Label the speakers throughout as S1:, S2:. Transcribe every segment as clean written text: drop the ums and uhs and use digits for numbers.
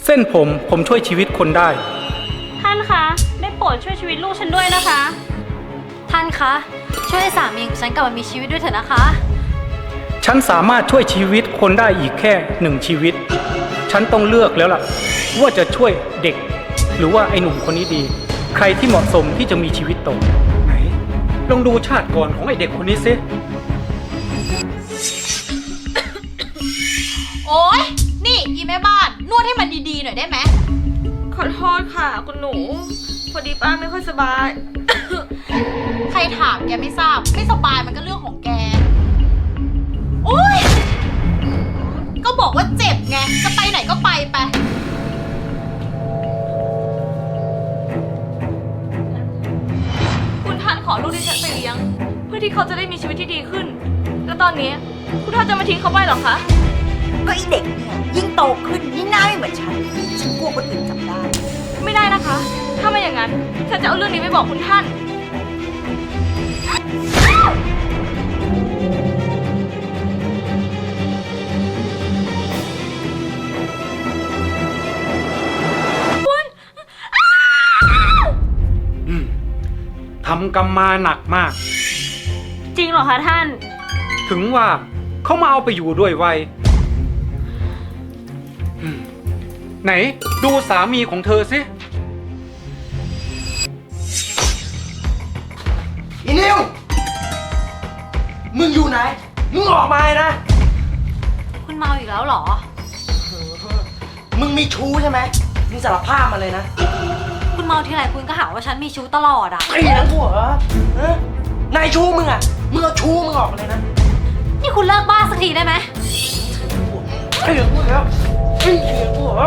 S1: เส้นผมช่วยชีวิตคนได้
S2: ท่านคะได้โปรดช่วยชีวิตลูกฉันด้วยนะคะ
S3: ท่านคะช่วยให้สามีของฉันกลับมามีชีวิตด้วยเถอะนะคะ
S1: ฉันสามารถช่วยชีวิตคนได้อีกแค่1 ชีวิตฉันต้องเลือกแล้วล่ะว่าจะช่วยเด็กหรือว่าไอ้หนุ่มคนนี้ดี ใครที่เหมาะสมที่จะมีชีวิตต่อไหนลองดูชาติก่อนของไอ้เด็กคนนี้สิ
S3: โอ๊ยนี่อีแม่บ้านนวดให้มันดีๆหน่อยได้ไหม
S2: ขอโทษค่ะคุณหนูพอดีป้าไม่ค่อยสบาย
S3: ใครถามแกไม่ทราบไม่สบายมันก็เรื่องของแกโอ๊ยก็บอกว่าเจ็บไงจะไปไหนก็ไป
S2: คุณท่านขอลูกที่ฉันไปเลี้ยง เพื่อที่เขาจะได้มีชีวิตที่ดีขึ้น แล้วตอนนี้คุณท่านจะมาทิ้งเขาไปเหรอคะ
S4: ก็ไอเด็กเนี่ยยิ่งโตขึ้นยิ่งหน้าไม่เหมือนฉันกลัวคนอื่นจำได้
S2: ไม่ได้นะคะ ถ้าไม่อย่างนั้นฉันจะเอาเรื่องนี้ไปบอกคุณท่าน
S1: ทำกรรมมาหนักมาก
S2: จริงเหรอคะท่าน
S1: ถึงว่าเขามาเอาไปอยู่ด้วยไวยไหนดูสามีของเธอสิ
S5: อีนิว มึงอยู่ไหน มึงออกมาเลยนะ
S3: คุณเมาอีกแล้วเหรอ
S5: มึงมีชู้ใช่ไหม มึงสารภาพมาเลยนะ
S3: คุณเมาทีไรคุณก็หาว่าฉันมีชู้ตลอดอ่ะ
S5: ไอ้นังกูเหรอฮะนายชู้มึงอ่ะ มึงเอาชู้มึงออกมาเลยนะ
S3: นี่คุณเลิกบ้าสักทีได้ไหม
S5: ไอ้เหลืองกูแล้วไอ้เหลืองกูเหรอ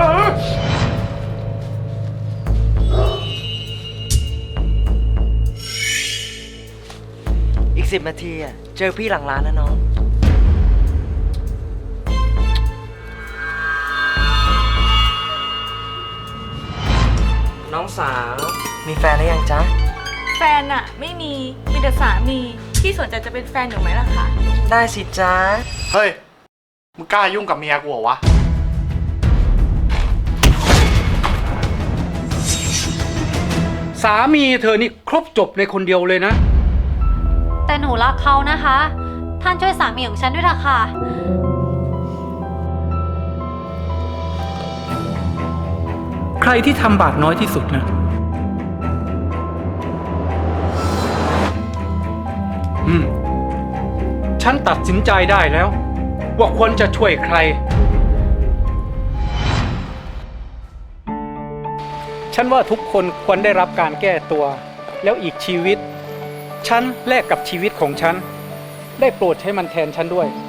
S5: อีก10 นาทีอ่ะ เจอพี่หลังร้านนะน้อง น้องสาว มีแฟนหรือยังจ๊ะ
S2: แฟนอะไม่มีแต่สามีที่สนใจจะเป็นแฟนหนูไหมล่ะคะ
S5: ได้สิจ๊ะ
S6: เฮ้ย มึงกล้ายุ่งกับเมียกูเหรอวะ
S1: สามีเธอนี่ครบจบในคนเดียวเลยนะ
S3: แต่หนูรักเขานะคะ ท่านช่วยสามีของฉันด้วยเถอะค่ะ
S1: ใครที่ทำบาปน้อยที่สุดนะฉันตัดสินใจได้แล้ว ว่าควรจะช่วยใคร ฉันว่าทุกคนควรได้รับการแก้ตัว แล้วอีกชีวิต ฉันแลกกับชีวิตของฉัน ได้โปรดใช้มันแทนฉันด้วย